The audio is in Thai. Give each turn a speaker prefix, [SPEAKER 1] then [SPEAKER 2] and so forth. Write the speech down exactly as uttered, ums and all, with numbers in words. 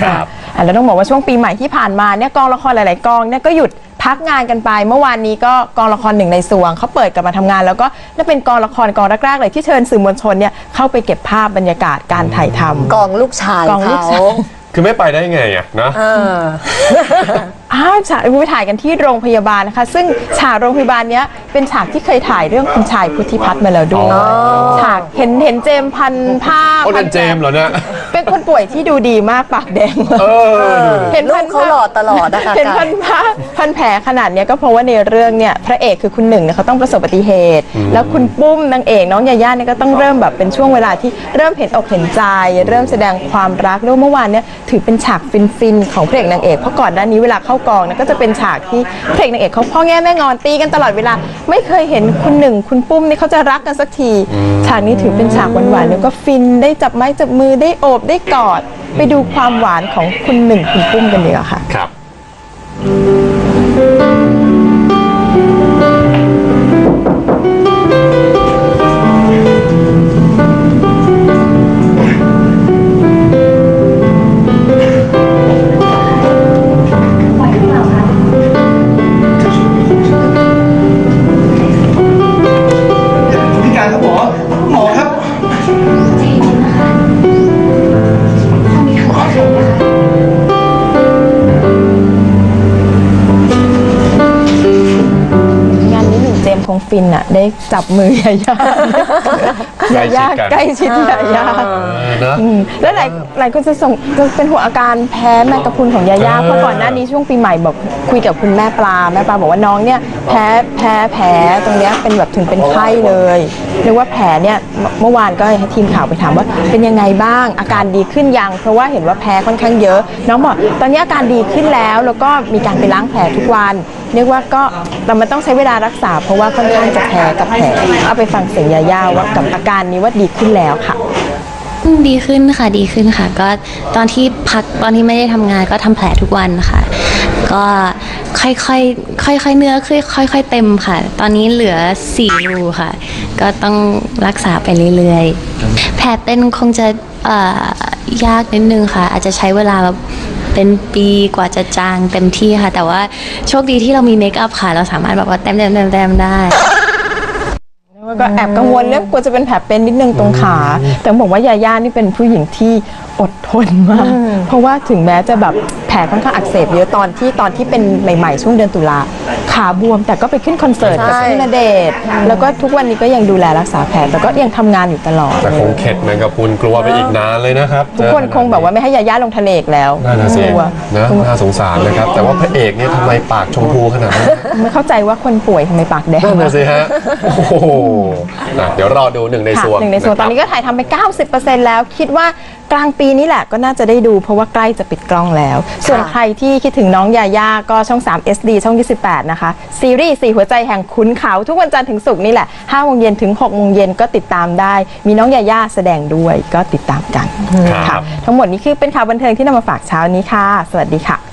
[SPEAKER 1] ครับ
[SPEAKER 2] แล้วต้องบอกว่าช่วงปีใหม่ที่ผ่านมาเนี่ยกองละครหลายๆกองเนี่ยก็หยุดพักงานกันไปเมื่อวานนี้ก็กองละครหนึ่งในสวงเขาเปิดกลับมาทำงานแล้วก็นี่เป็นกองละครกองแรกๆเลยที่เชิญสื่อมวลชนเนี่ยเข้าไปเก็บภาพบรรยากาศการถ่ายทำ
[SPEAKER 3] กองลูกชายเขา
[SPEAKER 1] คือไม่ไปได้ไงอ่ะนะ
[SPEAKER 2] อ้าวฉากไปถ่ายกันที่โรงพยาบาลนะคะซึ่งฉากโรงพยาบาลเนี้ยเป็นฉากที่เคยถ่ายเรื่องคุณชายพุทธิพัฒน์มาแล้วด้วยฉากเห็นเห็นเจมพันผ้า
[SPEAKER 1] เป็นเจมเหรอเนี่ย
[SPEAKER 2] เป็นคนป่วยที่ดูดีมากปากแดง
[SPEAKER 3] เห็นลูกเขาหล่อตลอดนะคะ
[SPEAKER 2] เห็นพันผ้าพันแผลขนาดเนี้ยก็เพราะว่าในเรื่องเนี่ยพระเอกคือคุณหนึ่งเนี่ยเขาต้องประสบอุบัติเหตุแล้วคุณปุ้มนางเอกน้องยาย่าเนี่ยก็ต้องเริ่มแบบเป็นช่วงเวลาที่เริ่มเห็นอกเห็นใจเริ่มแสดงความรักแล้วเมื่อวานเนี่ยถือเป็นฉากฟินๆของพระเอกนางเอกเพราะก่อนหน้านี้เวลาเข้ากองเนี่ยก็จะเป็นฉากที่พระเอกนางเอกเขาพ่อแง่แม่งอนตีกันตลอดเวลาไม่เคยเห็นคุณหนึ่งคุณปุ้มนี่เขาจะรักกันสักทีฉากนี้ถือเป็นฉากหวานๆแล้วก็ฟินได้จับไม้จับมือได้โอบได้กอดไปดูความหวานของคุณหนึ่งคุณปุ้มกันดีกว่าค่ะ
[SPEAKER 1] ครับ
[SPEAKER 2] คงฟินอะได้จับมือยาย่ายาย่าใกล้ชิดยาย่าแล้วหลายหลายคนจะส่งจะเป็นห่วงอาการแพ้แมงกะพรุนของยาย่าเพราะก่อนหน้านี้ช่วงปีใหม่บอกคุยกับคุณแม่ปลาแม่ปลาบอกว่าน้องเนี่ยแพ้แพ้แผลตรงเนี้ยเป็นแบบถึงเป็นไข้เลยเรียกว่าแผลเนี่ยเมื่อวานก็ให้ทีมข่าวไปถามว่าเป็นยังไงบ้างอาการดีขึ้นยังเพราะว่าเห็นว่าแพ้ค่อนข้างเยอะน้องบอกตอนนี้อาการดีขึ้นแล้วแล้วก็มีการไปล้างแผลทุกวันเรียกว่าก็แต่มันต้องใช้เวลารักษาเพราะว่าค่อนข้างจะแพ้กับแผลเอาไปฟังเสียงยาย่าว่ากับอาการนี้ว่าดีขึ้นแล้วค่ะ
[SPEAKER 4] ดีขึ้นค่ะดีขึ้นค่ะก็ตอนที่พักตอนที่ไม่ได้ทำงานก็ทำแผลทุกวันค่ะก็ค่อยๆค่อยๆเนื้อค่อยๆเต็มค่ะตอนนี้เหลือสี่รูค่ะก็ต้องรักษาไปเรื่อยๆแผลเป็นคงจะยากนิดนึงค่ะอาจจะใช้เวลาแบบเป็นปีกว่าจะจางเต็มที่ค่ะแต่ว่าโชคดีที่เรามีเมคอัพค่ะเราสามารถแบบว่าเต็มเต็มเต็มเต็มได้
[SPEAKER 2] ก็แอบกังวลเรื่องกลัวจะเป็นแผลเป็นนิดนึงตรงขาแต่บอกว่ายาย่านี่เป็นผู้หญิงที่อดทนมากเพราะว่าถึงแม้จะแบบแผลค่อนข้างอักเสบเยอะตอนที่ตอนที่เป็นใหม่ๆช่วงเดือนตุลาขาบวมแต่ก็ไปขึ้นคอนเสิร์ตกับพี่ณเดชน์แล้วก็ทุกวันนี้ก็ยังดูแลรักษาแผลแต่ก็ยังทำงานอยู่ตลอด
[SPEAKER 1] แต่คงเข็ดแมงกะพรุนกลัวไปอีกนานเลยนะครับ
[SPEAKER 2] ทุกคนคงแบบว่าไม่ให้ยาย่าลงทะเลแล้ว
[SPEAKER 1] กลัวนะน่าสงสารนะครับแต่ว่าพระเอกเนี่ยทำไมปากชมพูขนาดนั้น
[SPEAKER 2] ไม่เข้าใจว่าคนป่วยทำไมปากแดง
[SPEAKER 1] นั่นสิฮะโอ้โหเดี๋ยวรอดูหนึ่งในส่วน
[SPEAKER 2] หนึ่งในส่วนตอนนี้ก็ถ่ายทำไป เก้าสิบเปอร์เซ็นต์ แล้วคิดว่ากลางปีนี้แหละก็น่าจะได้ดูเพราะว่าใกล้จะปิดกล้องแล้วส่วนใครที่คิดถึงน้องยาย่าก็ช่องสาม เอส ดี ช่องยี่สิบแปดนะคะซีรีส์สี่หัวใจแห่งขุนเขาทุกวันจันทร์ถึงศุกร์นี่แหละห้าโมงเย็นถึงหกโมงเย็นก็ติดตามได้มีน้องยาย่าแสดงด้วยก็ติดตามกันค่ะทั้งหมดนี้คือเป็นข่าวบันเทิงที่นำมาฝากเช้านี้ค่ะสวัสดีค่ะ